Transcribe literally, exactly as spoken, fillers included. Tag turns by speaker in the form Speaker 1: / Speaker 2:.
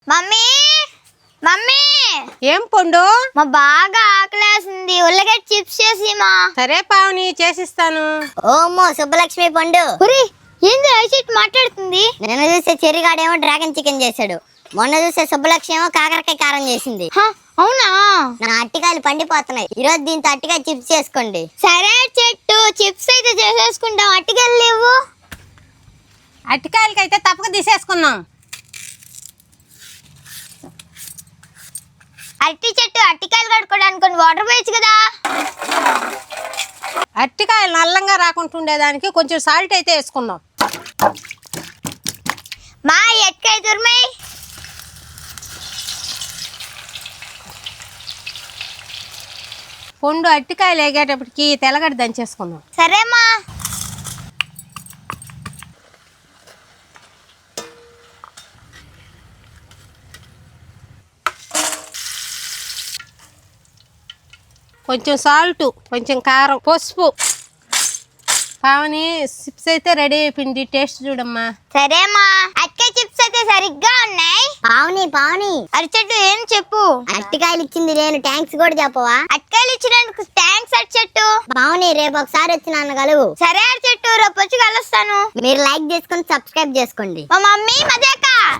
Speaker 1: Mummy mummy
Speaker 2: ఏం పండు?
Speaker 1: మా బాగా ఆకలేసింది, ఉల్లగడ్డ చిప్స్ చేసిమా.
Speaker 2: సరే పావని, చేసిస్తాను.
Speaker 3: ఓమో సుబ్బలక్ష్మి పండు.
Speaker 1: ఒరే ఏంది ఐసిట్ మాట్లాడుతుంది?
Speaker 3: నిన్న చూసే చెరిగాడేమో డ్రాగన్ చికెన్ చేశాడు, మొన్న చూసే సుబ్బలక్ష్మి ఏమో కాకరకాయ కారం చేసింది.
Speaker 1: హ, అవునా?
Speaker 3: నా అట్టికాయలు పండిపోతున్నాయి, ఈ రోజు దీంతో అట్టికాయ చిప్స్ చేసుకోండి.
Speaker 1: సరే చెట్టు, చిప్స్ అయితే చేసేసుకుంటాం. అట్టికెళ్ళి లేవు.
Speaker 2: అట్టికాయలకైతే తప్పక తీసేసుకుందాం.
Speaker 1: అట్టి చెట్టు, అట్టికాయలు కడుక్కోవడానికి కొన్ని వాటర్ పోయచ్చు కదా.
Speaker 2: అట్టికాయలు నల్లంగా రాకుండా ఉండేదానికి కొంచెం సాల్ట్ అయితే వేసుకుందాం.
Speaker 1: మా ఎట్కాయ తురిమాయి.
Speaker 2: పండు అట్టికాయలు వేగేటప్పటికి తెల్లగడ్డ దంచేసుకుందాం.
Speaker 1: సరేమ్మా.
Speaker 2: కొంచెం సాల్ట్, కొంచెం కారం, పసుపు. పావని చిప్స్ అయితే రెడీ అయిపోయింది, టేస్ట్ చూడమ్మా.
Speaker 1: సరేమ్మా. అట్కాయ చిప్స్ అయితే సరిగ్గా ఉన్నాయి.
Speaker 3: పావని పావని
Speaker 1: అరిచెట్టు ఏం చెప్పు.
Speaker 3: అట్టికాయలు ఇచ్చింది నేను, థ్యాంక్స్ కూడా చెప్పవా?
Speaker 1: అట్కాయలు ఇచ్చినందుకు థ్యాంక్స్ అరిచెట్టు.
Speaker 3: పావని రేపు ఒకసారి వచ్చి నన్ను కలువు.
Speaker 1: సరే అరిచెట్టు, రేపు వచ్చి కలుస్తాను.
Speaker 3: మీరు లైక్ చేసుకుని సబ్స్క్రైబ్ చేసుకోండి.
Speaker 1: మా మమ్మీ మజాక.